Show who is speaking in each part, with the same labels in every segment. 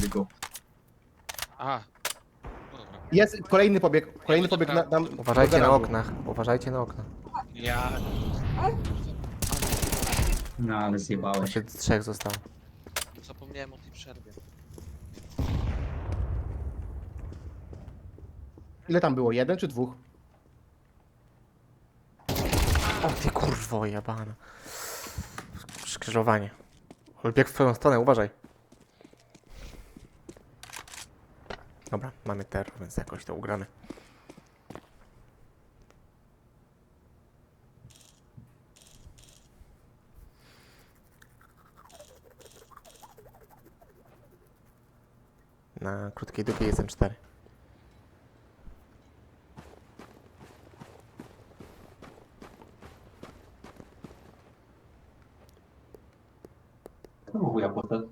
Speaker 1: tylko.
Speaker 2: Aha. No dobra.
Speaker 3: Jest kolejny pobieg na, tam.
Speaker 4: Uważajcie
Speaker 3: do
Speaker 4: na
Speaker 3: garażu.
Speaker 4: oknach, uważajcie na okna.
Speaker 2: Ja...
Speaker 1: No ale zjebałeś.
Speaker 4: Jeszcze 3 zostało.
Speaker 2: Zapomniałem o tej przerwie.
Speaker 3: Ile tam było? 1 czy 2?
Speaker 4: O ty kurwo jebana. Skrzyżowanie. Ale bieg w twoją stronę, uważaj. Dobra, mamy terror, więc jakoś to ugramy. Na krótkiej dupie jest M4.
Speaker 1: To chuja poszedł.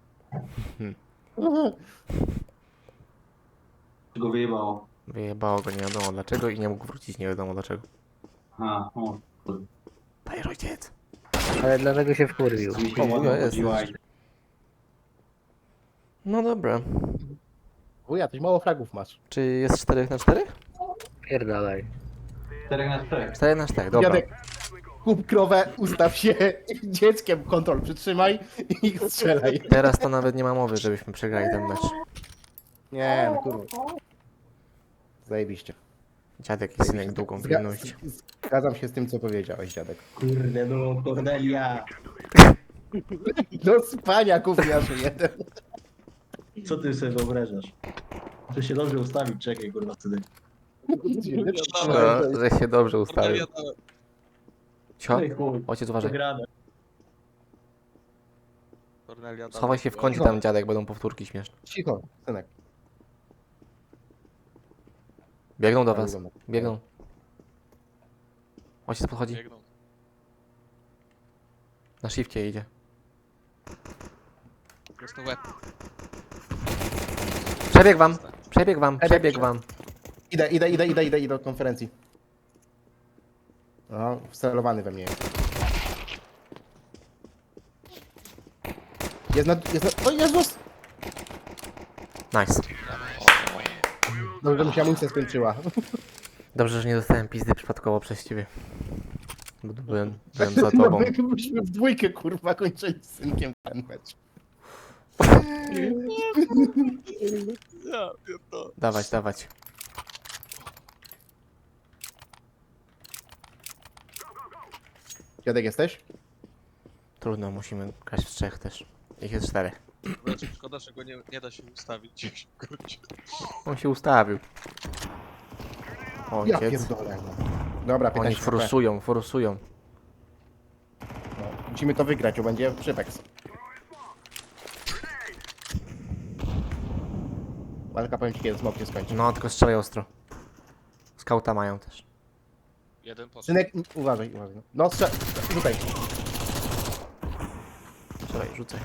Speaker 1: Go wyjebało.
Speaker 4: Wyjebało go nie wiadomo dlaczego i nie mógł wrócić nie wiadomo dlaczego.
Speaker 1: Aha, o. kurde.
Speaker 4: Daj ojciec.
Speaker 5: Ale dlatego się wkurwił.
Speaker 1: Mi się
Speaker 4: O,
Speaker 1: nie
Speaker 4: no jest,
Speaker 1: chodziła
Speaker 4: jest.
Speaker 1: i-
Speaker 4: No dobra.
Speaker 3: Wuja, coś mało fragów masz.
Speaker 4: Czy jest 4 na 4?
Speaker 5: Pierdalaj.
Speaker 1: 4 na 4.
Speaker 4: 4 na 4, dobra.
Speaker 3: Dziadek, kup krowę, ustaw się, dzieckiem kontrol przytrzymaj i strzelaj.
Speaker 4: Teraz to nawet nie ma mowy, żebyśmy przegrali ten mecz.
Speaker 3: Nie, no kurwa. Zajebiście.
Speaker 4: Dziadek i synek długą pilność.
Speaker 3: Zgadzam się z tym, co powiedziałeś, dziadek.
Speaker 1: Kurde no, Kornelia.
Speaker 3: Do spania gówniarzu jeden.
Speaker 1: Co ty sobie wyobrażasz? To się dobrze ustawić, czekaj kurwa wtedy.
Speaker 4: No, że się dobrze ustawił. Cio?
Speaker 1: Ej, chuj,
Speaker 4: Ojciec uważaj.
Speaker 1: przegrane.
Speaker 2: Kornelia dała
Speaker 4: Schowaj się w
Speaker 2: była-
Speaker 4: kącie tam dziadek, będą powtórki śmieszne.
Speaker 3: Cicho, synek.
Speaker 4: Biegną do was. Biegną. Ojciec podchodzi.
Speaker 2: Biegną.
Speaker 4: Na shifcie idzie.
Speaker 2: Jest to łeb.
Speaker 4: Przebieg wam! Przebieg wam! Przebieg wam!
Speaker 3: Idę do konferencji. O, wcelowany we mnie. O Jezus!
Speaker 4: Nice.
Speaker 3: Dobrze, że mi się amunicja skończyła.
Speaker 4: Dobrze, że nie dostałem pizdy przypadkowo przez ciebie. Byłem za
Speaker 3: No
Speaker 4: tobą.
Speaker 3: myśmy w dwójkę, kurwa, kończyli z synkiem ten mecz.
Speaker 2: Ja pierdolę.
Speaker 4: Dawać, dawać.
Speaker 3: Dziadek jesteś?
Speaker 4: Trudno, musimy grać w 3 też. Ich jest 4.
Speaker 2: Znaczy, szkoda, że go nie da się ustawić. Kurczę.
Speaker 4: On się ustawił.
Speaker 3: Ja
Speaker 4: Ojciec.
Speaker 3: pierdolę. No. Dobra,
Speaker 4: Oni
Speaker 3: 15 HP.
Speaker 4: forsują.
Speaker 3: No, musimy to wygrać, bo będzie przypeks. Walka, powiem ci, kiedy smok się skończy.
Speaker 4: No, tylko strzelaj ostro. Skauta mają też.
Speaker 2: Jeden poszedł.
Speaker 3: Synek, uważaj. No, rzucaj.
Speaker 4: Strzelaj, rzucaj.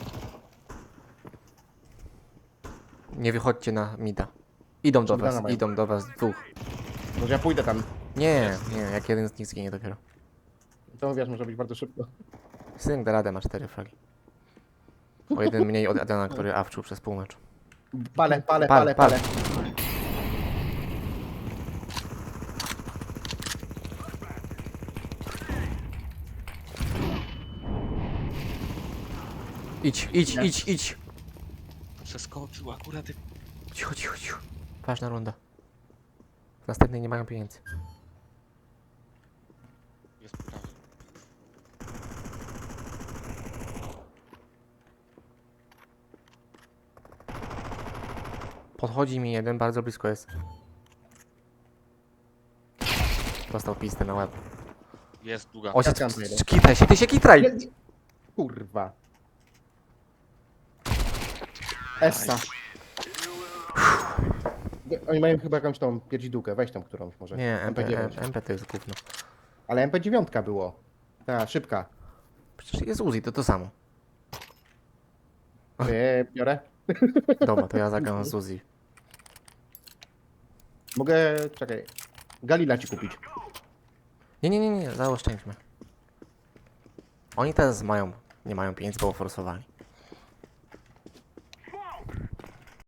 Speaker 4: Nie wychodźcie na mida. Idą do
Speaker 3: Shotguna
Speaker 4: was,
Speaker 3: mają.
Speaker 4: idą do was dwóch.
Speaker 3: Może ja pójdę tam.
Speaker 4: Nie, jak jeden z nich zginie dopiero.
Speaker 3: To wiesz, może być bardzo szybko.
Speaker 4: Synek da radę, ma 4 fragi. O jeden mniej od Adana, który awczył przez pół meczu.
Speaker 3: Palę.
Speaker 4: Pal. Idź.
Speaker 2: Przeskoczył akurat.
Speaker 4: Cicho. Ważna runda. W następnej nie mają pieniędzy.
Speaker 2: Jest prawy.
Speaker 4: Podchodzi mi jeden, bardzo blisko jest. Dostał pistę na łeb.
Speaker 2: Jest długa.
Speaker 4: Ojciec,
Speaker 3: tam jeden.
Speaker 4: kitraj się, ty się kitraj!
Speaker 3: Kurwa. Essa. Oni mają chyba jakąś tą pierdzidółkę, weź tam którąś może.
Speaker 4: Nie,
Speaker 3: MP9.
Speaker 4: MP to jest gówno.
Speaker 3: Ale MP9 było. Ta, szybka.
Speaker 4: Przecież jest Uzi, to samo.
Speaker 3: Biorę.
Speaker 4: Dobra, to ja zagram z Uzi.
Speaker 3: Mogę, czekaj. Galila ci kupić.
Speaker 4: Nie, zaoszczędźmy. Oni teraz nie mają pieniędzy, bo forsowali.